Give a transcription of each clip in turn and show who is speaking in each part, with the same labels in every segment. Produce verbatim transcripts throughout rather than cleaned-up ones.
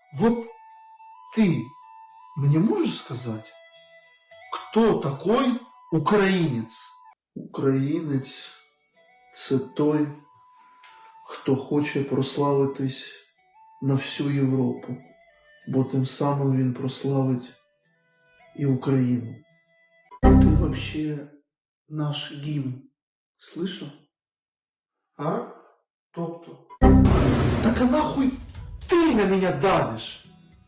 Speaker 1: Вот ты мне можешь сказать, кто такой українець? Українець – це той, хто хоче прославитись на всю Європу, бо тим самим він прославить і Україну. Ти вообще наш гімн слышал? А? Тобто? Так а нахуй ты на меня давишь?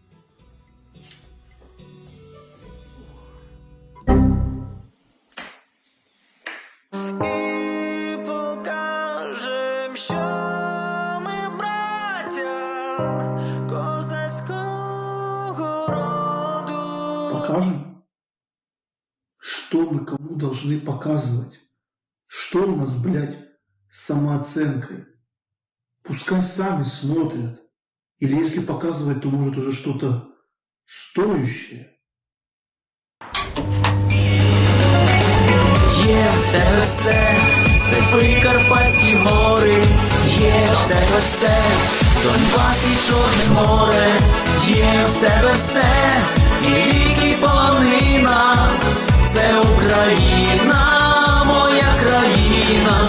Speaker 2: І покажем, що ми браття козацького роду.
Speaker 1: Покажем? Что мы кому должны показывать? Что у нас, блядь, с самооценкой? Пускай сами смотрят. Или если показывать, то может уже что-то стоящее.
Speaker 2: Є в тебе все, степи, Карпатські гори, є в тебе все, Донбас і Чорне море, є в тебе все, і ріки, і полонина, це Україна, моя країна.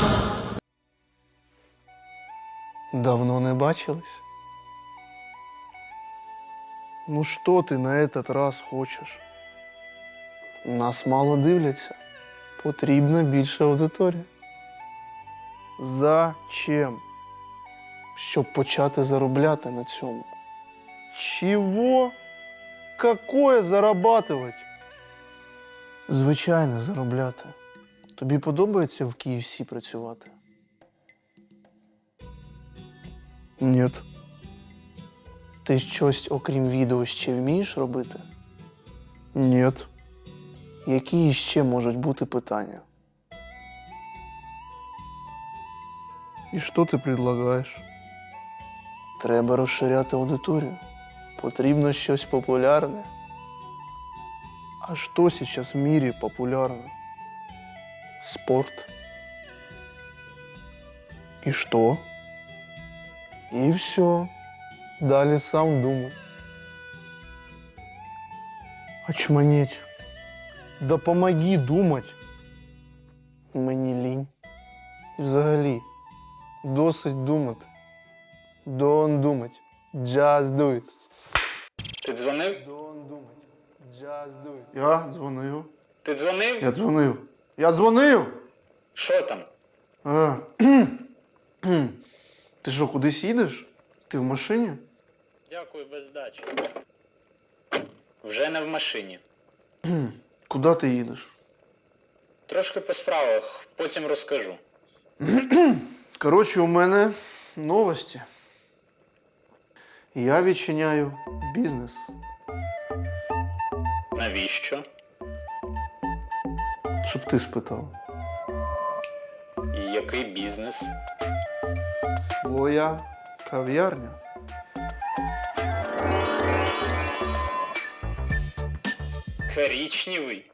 Speaker 3: Давно не бачились? Ну що ти на этот раз хочеш? Нас мало дивляться. Потрібна більша аудиторія. Зачем? Щоб почати заробляти на цьому. Чого? Какое зарабатывать? Звичайно, заробляти. Тобі подобається в кей еф сі працювати? Ні. Ти щось, окрім відео, ще вмієш робити? Ні. Які ще можуть бути питання? І що ти предлагаєш? Треба розширяти аудиторію. Потрібно щось популярне. А що зараз в мірі популярно? Спорт. І що? І все. Далі сам думай. Очманеть. Да помоги думать. Мені лінь. І взагалі, досить думати. Don't думать. Just do it.
Speaker 4: Ти дзвонив?
Speaker 3: Don't думать. Just do it. Я дзвонив.
Speaker 4: Ти дзвонив?
Speaker 3: Я дзвонив. Я дзвонив!
Speaker 4: Що там?
Speaker 3: А. Ти що, кудись їдеш? Ти в машині?
Speaker 4: Дякую, без здачі. Вже не в машині.
Speaker 3: Куди ти їдеш?
Speaker 4: Трошки по справах, потім розкажу.
Speaker 3: Коротше, у мене новості. Я відчиняю бізнес.
Speaker 4: Навіщо?
Speaker 3: Щоб ти спитав.
Speaker 4: І який бізнес?
Speaker 3: Своя кав'ярня.
Speaker 4: Коричневый?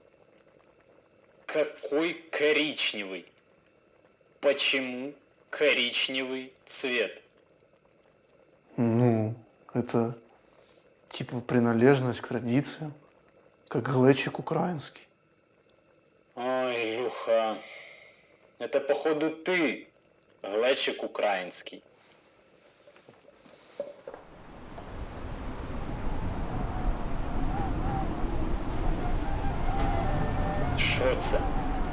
Speaker 4: Какой коричневый? Почему коричневый цвет?
Speaker 3: Ну, это типа принадлежность к традициям, как глечик украинский.
Speaker 4: Ой, Люха, это походу ты, глечик украинский. Що це?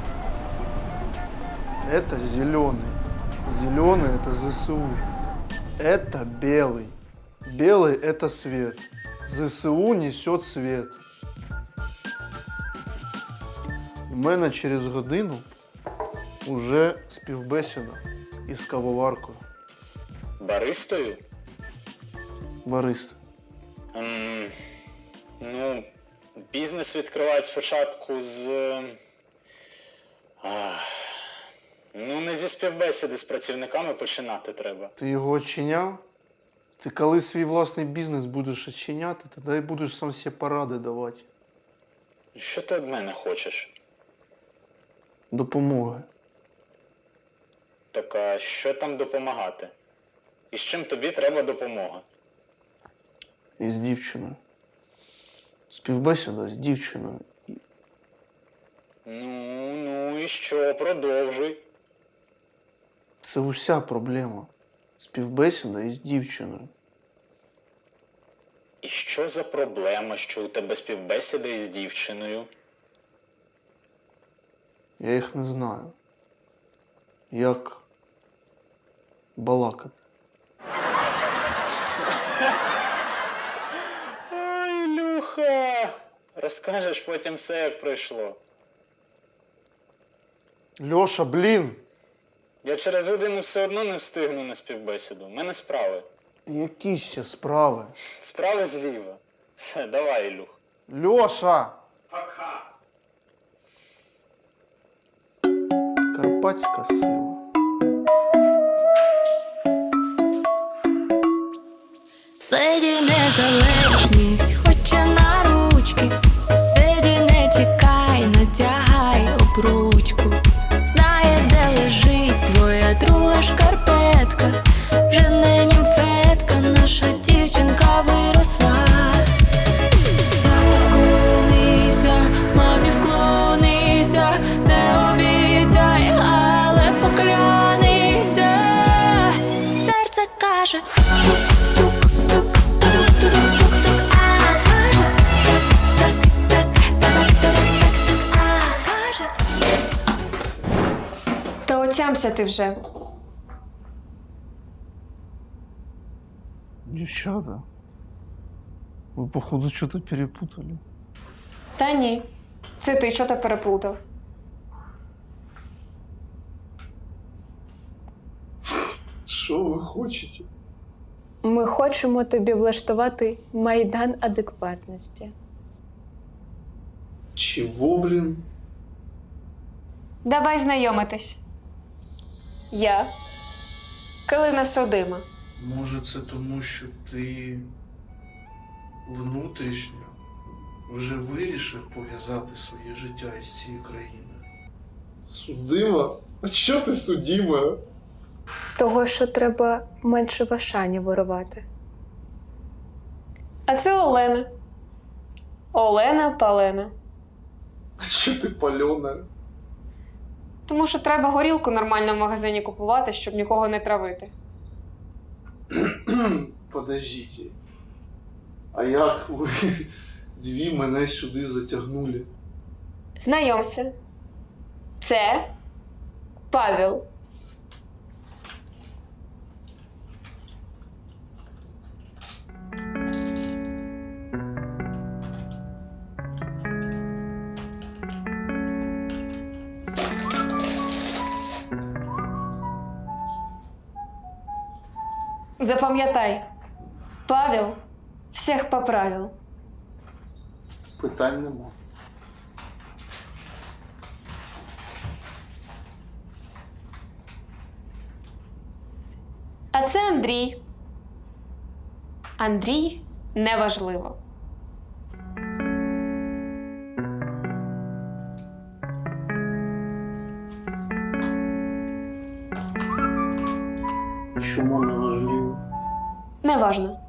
Speaker 3: Это зеленый. Зеленый это ЗСУ. Это белый. Белый это свет. ЗСУ несет свет. У мене через годину уже співбесіда із кавоваркою.
Speaker 4: Баристою?
Speaker 3: Бариста.
Speaker 4: Ем, ну, бізнес відкривають спочатку з... А, ну, не зі співбесіди з працівниками починати треба.
Speaker 3: Ти його очиняв? Ти коли свій власний бізнес будеш очиняти, тоді і будеш сам всі поради давати.
Speaker 4: Що ти від мене хочеш?
Speaker 3: Допомоги.
Speaker 4: Так а що там допомагати? І з чим тобі треба допомога?
Speaker 3: і з дівчиною. Співбесіда з дівчиною.
Speaker 4: Ну, ну і що, продовжуй.
Speaker 3: Це уся проблема. Співбесіда із дівчиною.
Speaker 4: І що за проблема, що у тебе співбесіда із дівчиною?
Speaker 3: Я їх не знаю. Як балакати.
Speaker 4: Ой, Ілюха! Розкажеш потім все, як пройшло.
Speaker 3: Льоша, блін!
Speaker 4: Я через годину все одно не встигну на співбесіду. У мене справи.
Speaker 3: Які ще справи?
Speaker 4: Справи зліва. Все, давай, Ілюх.
Speaker 3: Льоша!
Speaker 4: Пока.
Speaker 3: Карпатська сила.
Speaker 5: Леді незалежність, хоче на ручки. Леді не чекай, надягай обручку. Знає, де лежить твоя друга шкарпетка. Вже не німфетка, наша дівчинка виросла. Тато вклонися, мамі вклонися, не обіцяй, але поклянися. Серце каже тук-тук, тук-тук-тук-тук, а каже так-так-так-так-так-так-так, а каже.
Speaker 6: Та отямся ти вже.
Speaker 3: Дівчата, ви, походу, що-то перепутали.
Speaker 6: Та ні. Це ти що то переплутав.
Speaker 3: Що ви хочете?
Speaker 7: Ми хочемо тобі влаштувати майдан адекватності.
Speaker 3: Чого, блін?
Speaker 6: Давай знайомитись. Я Калина Содима.
Speaker 3: Може, це тому, що ти внутрішньо вже вирішив пов'язати своє життя із цією країною? Судима? А що ти судима?
Speaker 7: Того, що треба менше в Ашані вирувати.
Speaker 6: А це Олена. Олена Палена.
Speaker 3: А що ти пальона?
Speaker 6: Тому що треба горілку нормально в магазині купувати, щоб нікого не травити.
Speaker 3: Подождіть. А як ви дві мене сюди затягнули?
Speaker 6: Знайомся. Це Павел. Запам'ятай, Павел всіх поправил.
Speaker 3: Питань нема.
Speaker 6: А це Андрій. Андрій неважливо.
Speaker 3: Чому не важливо?
Speaker 6: Неважно.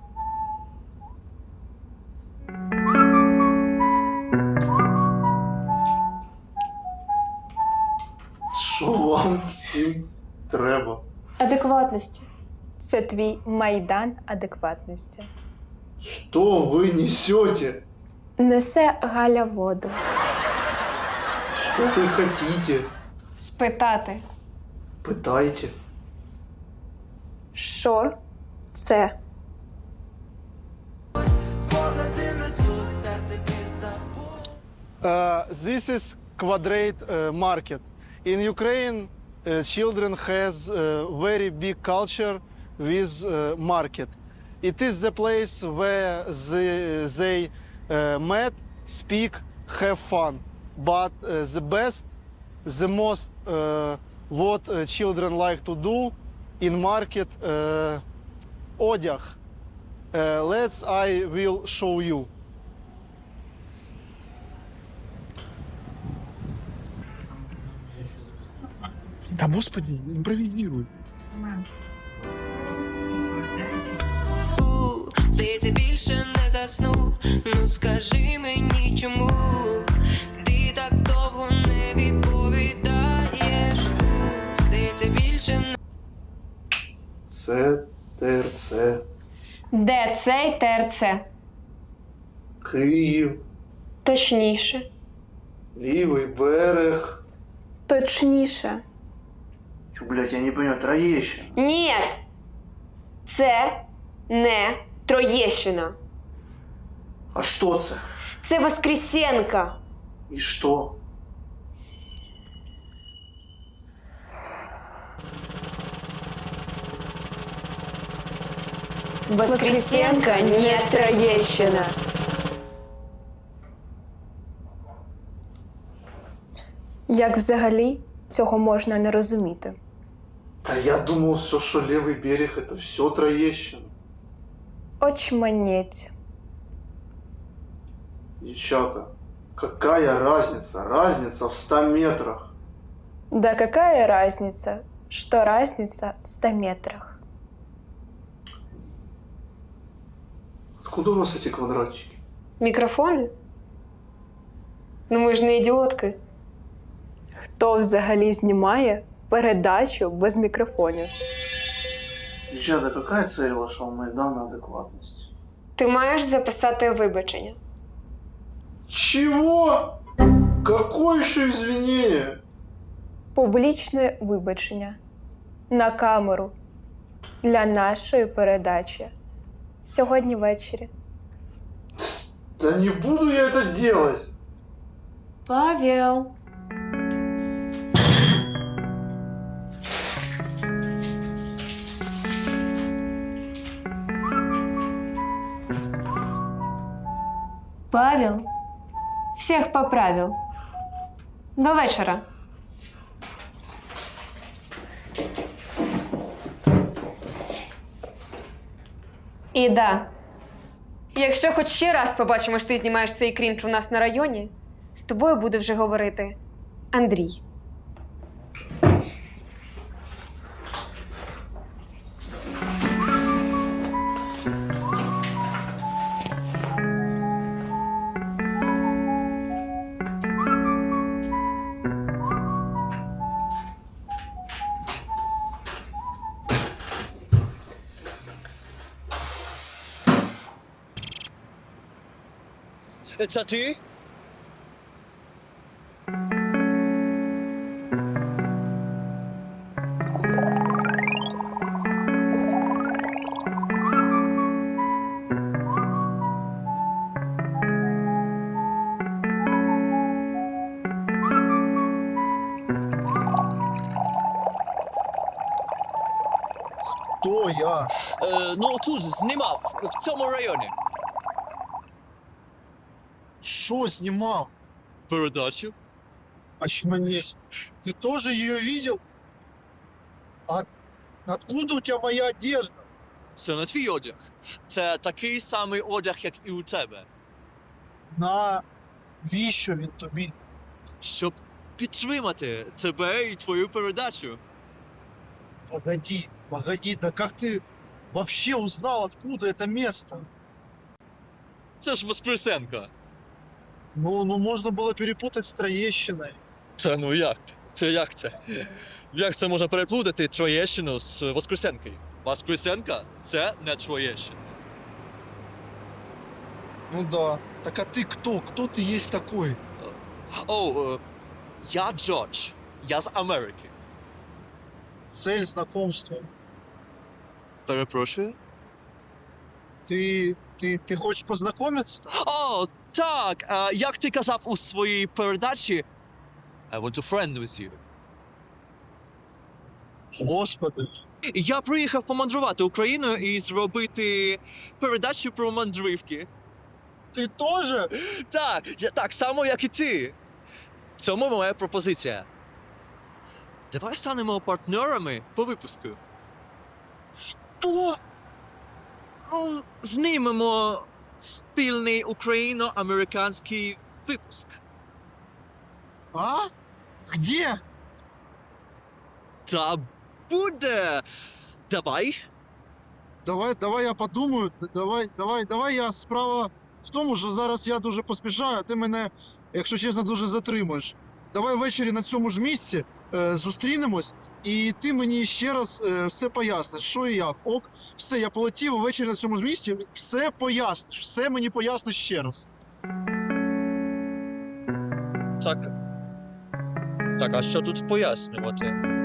Speaker 3: Що вам всім треба?
Speaker 6: Адекватності.
Speaker 7: Це твій майдан адекватності.
Speaker 3: Що ви несете?
Speaker 7: Несе Галя воду.
Speaker 3: Що ви хотите?
Speaker 6: Спитати.
Speaker 3: Питайте.
Speaker 7: Що це?
Speaker 3: Uh, this is Quadrate uh, market. In Ukraine, uh, children has a very big culture with uh, market. It is the place where the, they uh, met, speak, have fun. But uh, the best, the most uh, what uh, children like to do in market, uh, одяг. Uh, let's I will show you.
Speaker 8: Да господи, импровизируй.
Speaker 5: Ти здається, більше не засну. Ну скажи мені, чому ти так довго не відповідаєш? Ну, здається, більше не.
Speaker 1: Це ТРЦ.
Speaker 6: Де цей ТРЦ?
Speaker 1: Київ.
Speaker 6: Точніше.
Speaker 1: Лівий берег.
Speaker 7: Точніше.
Speaker 1: Чу, блядь, я не понимаю, Троєщина.
Speaker 6: Ні. Це не Троєщина.
Speaker 1: А що це?
Speaker 6: Це Воскресенка.
Speaker 1: І що?
Speaker 6: Воскресенка не Троєщина.
Speaker 7: Як взагалі цього можна не розуміти?
Speaker 1: Та я думав, все, що лівий берег, это все Троєщина.
Speaker 7: Очманеть.
Speaker 1: Девчата, какая разница? Разница в ста метрах.
Speaker 7: Да какая разница, что разница в ста метрах?
Speaker 1: Откуда у вас эти квадратики?
Speaker 6: Мікрофони? Ну ми ж не ідіотки.
Speaker 7: Хто взагалі знімає передачу без мікрофонів?
Speaker 1: Девчата, какая цель вашего Майдана адекватности?
Speaker 6: Ти маєш записати вибачення.
Speaker 1: Чего? Какое еще извинение?
Speaker 7: Публічне вибачення на камеру для нашої передачі сьогодні ввечері.
Speaker 1: Да не буду я это делать.
Speaker 6: Павел. Павел всіх поправив. До вечора. І да. Якщо хоч ще раз побачимо, що ти знімаєш цей крінж у нас на районі, з тобою буде вже говорити Андрій.
Speaker 8: Це ти?
Speaker 3: Хто я?
Speaker 8: Е, ну тут знімав, в цьому районі.
Speaker 3: Що знімав?
Speaker 8: Передачу?
Speaker 3: Очманеть. Ты тоже ее видел? А откуда у тебя моя одежда?
Speaker 8: Це не твій одяг. Це такий самий одяг, як і у тебе.
Speaker 3: Навіщо він тобі?
Speaker 8: Щоб підтримати тебе і твою передачу.
Speaker 3: Погоди, погоди, да как ты вообще узнал, откуда это место?
Speaker 8: Це ж Воскресенка.
Speaker 3: Ну, ну можно было перепутать с Троещиной.
Speaker 8: Це ну як? Це як це? Як це можна переплутати Троєщину з Воскресенкою? Воскресенка – це не Троєщина.
Speaker 3: Ну да. Так а ты кто? Кто ты есть такой?
Speaker 8: О, е, я Джордж. Я з Америки.
Speaker 3: Цель знакомства.
Speaker 8: Перепрошую?
Speaker 3: Ты, ты, ты хочешь познакомиться?
Speaker 8: О, так, е, як ти казав у своїй передачі, I want to friend with you.
Speaker 3: Господи.
Speaker 8: Я приїхав помандрувати Україною і зробити передачу про мандрівки.
Speaker 3: Ты тоже?
Speaker 8: Так, я так само, як і ти. В цьому моя пропозиція. Давай станемо партнерами по випуску.
Speaker 3: Что?
Speaker 8: Ну, знімемо спільний україно-американський випуск.
Speaker 3: А? Где?
Speaker 8: Та буде. Давай.
Speaker 3: Давай, давай я подумаю. Давай, давай, давай я справа в тому, що зараз я дуже поспішаю, а ти мене, якщо чесно, дуже затримуєш. Давай ввечері на цьому ж місці е, зустрінемось, і ти мені ще раз е, все поясниш, що і як. Ок, все, я полетів ввечері на цьому ж місці, все поясниш, все мені поясниш ще раз.
Speaker 8: Так. Так, а що тут пояснювати?